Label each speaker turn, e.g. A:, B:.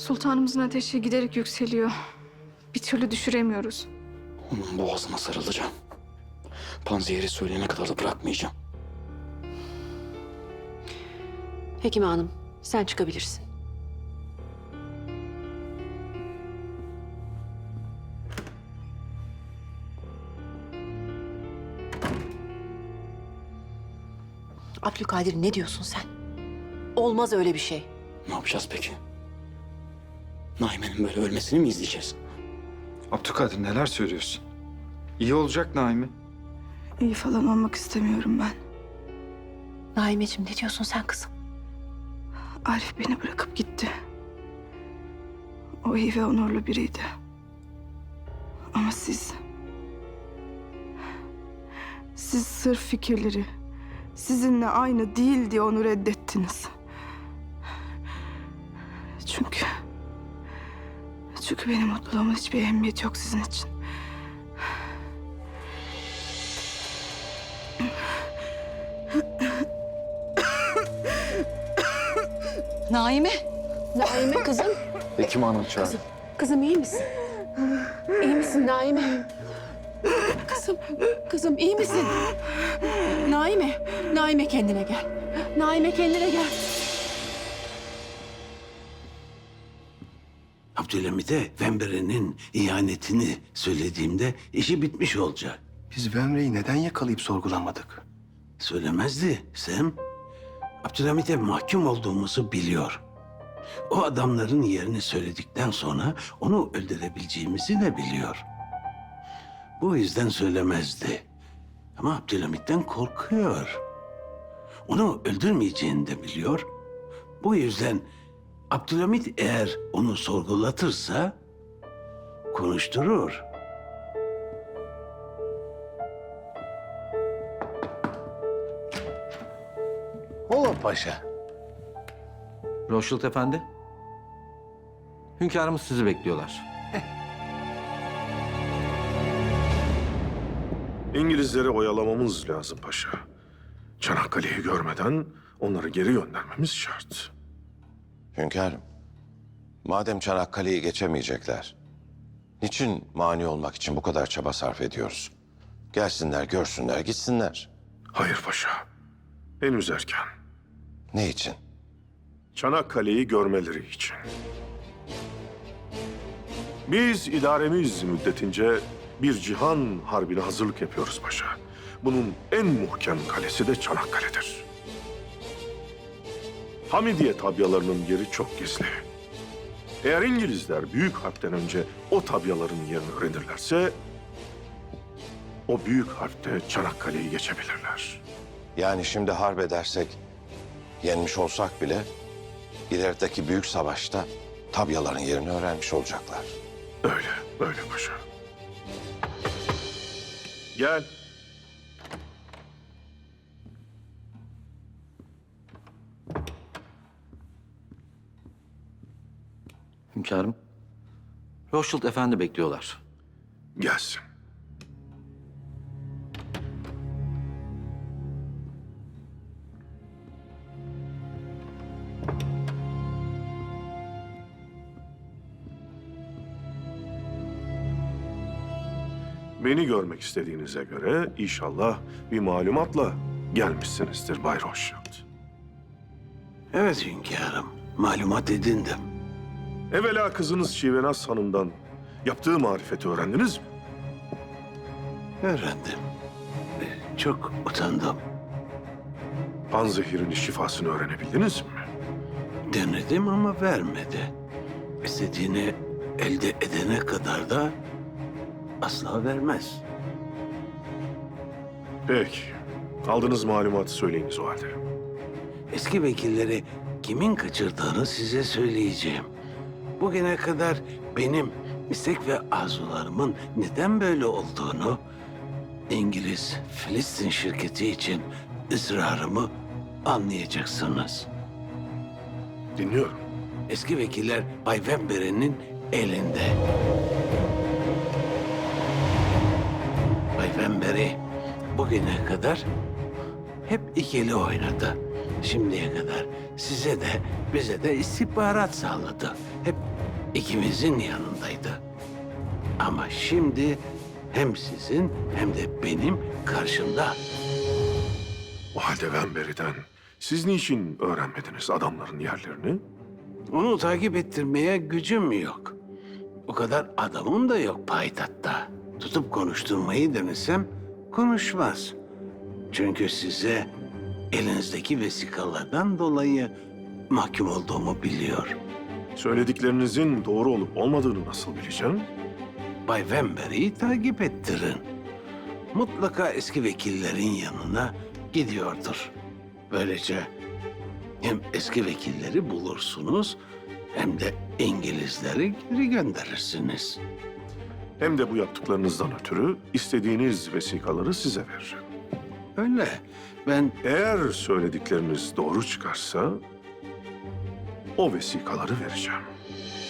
A: Sultanımızın ateşi giderek yükseliyor. Bir türlü düşüremiyoruz.
B: Onun boğazına sarılacağım. Panzehiri söyleyene kadar da bırakmayacağım.
C: Hekime Hanım, sen çıkabilirsin. Abdülkadir, ne diyorsun sen? Olmaz öyle bir şey.
B: Ne yapacağız peki? Naime'nin böyle ölmesini mi izleyeceğiz?
D: Abdülkadir neler söylüyorsun? İyi olacak Naime.
A: İyi falan olmak istemiyorum ben.
C: Naimeciğim, ne diyorsun sen kızım?
A: Arif beni bırakıp gitti. O iyi ve onurlu biriydi. Ama siz sırf fikirleri sizinle aynı değil diye onu reddettiniz. Çünkü benim mutluluğumun hiçbir ehemmiyeti yok sizin için.
C: Naime. Naime kızım.
D: Hekim Hanım çağır.
C: Kızım iyi misin? İyi misin Naime? Kızım iyi misin? Naime kendine gel. Naime kendine gel.
E: Abdülhamid'e Vembere'nin ihanetini söylediğimde işi bitmiş olacak.
F: Biz Vemre'yi neden yakalayıp sorgulamadık?
E: Söylemezdi Sem. Abdülhamid'e mahkum olduğumuzu biliyor. O adamların yerini söyledikten sonra onu öldürebileceğimizi de biliyor. Bu yüzden söylemezdi. Ama Abdülhamid'den korkuyor. Onu öldürmeyeceğini de biliyor. Bu yüzden Abdülhamid eğer onu sorgulatırsa konuşturur. Ola paşa.
G: Rothschild Efendi. Hünkârımız sizi bekliyorlar.
H: İngilizleri oyalamamız lazım paşa. Çanakkale'yi görmeden onları geri göndermemiz şart.
I: Hünkârım, madem Çanakkale'yi geçemeyecekler, niçin mani olmak için bu kadar çaba sarf ediyoruz? Gelsinler, görsünler, gitsinler.
H: Hayır paşa. Henüz erken.
I: Ne için?
H: Çanakkale'yi görmeleri için. Biz idaremiz müddetince bir cihan harbine hazırlık yapıyoruz paşa. Bunun en muhkem kalesi de Çanakkale'dir. Hamidiye tabyalarının yeri çok gizli. Eğer İngilizler büyük harpten önce o tabyaların yerini öğrenirlerse, o büyük harpte Çanakkale'yi geçebilirler.
I: Yani şimdi harp edersek, yenmiş olsak bile ilerideki büyük savaşta tabyaların yerini öğrenmiş olacaklar.
H: Öyle paşa. Gel.
G: Hünkârım. Rothschild Efendi bekliyorlar.
H: Gelsin. Beni görmek istediğinize göre inşallah bir malumatla gelmişsinizdir Bay Rothschild.
E: Evet hünkârım, malumat edindim.
H: Evvela kızınız Şivenaz Hanım'dan yaptığı marifeti öğrendiniz mi?
E: Öğrendim. Çok utandım.
H: Panzehir'in şifasını öğrenebildiniz mi?
E: Denedim ama vermedi. İstediğini elde edene kadar da asla vermez.
H: Peki. Aldığınız malumatı söyleyiniz o halde.
E: Eski vekilleri kimin kaçırdığını size söyleyeceğim. Bugüne kadar benim istek ve arzularımın neden böyle olduğunu, İngiliz Filistin şirketi için ısrarımı anlayacaksınız.
H: Dinliyorum.
E: Eski vekiller Bay Vembere'nin elinde. Bay Vembere bugüne kadar hep ikili oynadı. Şimdiye kadar size de bize de istihbarat sağladı. Hep ikimizin yanındaydı. Ama şimdi hem sizin hem de benim karşımda.
H: O halde Vemberi'den siz niçin öğrenmediniz adamların yerlerini?
E: Onu takip ettirmeye gücüm yok. O kadar adamım da yok payitahtta. Tutup konuşturmayı denesem konuşmaz. Çünkü size elinizdeki vesikalardan dolayı mahkum olduğumu biliyor.
H: Söylediklerinizin doğru olup olmadığını nasıl bileceğim?
E: Bay Vemberi'yi takip ettirin. Mutlaka eski vekillerin yanına gidiyordur. Böylece hem eski vekilleri bulursunuz hem de İngilizleri geri gönderirsiniz.
H: Hem de bu yaptıklarınızdan ötürü istediğiniz vesikaları size veririm.
E: Öyle. Ben
H: Eğer söyledikleriniz doğru çıkarsa o vesikaları vereceğim.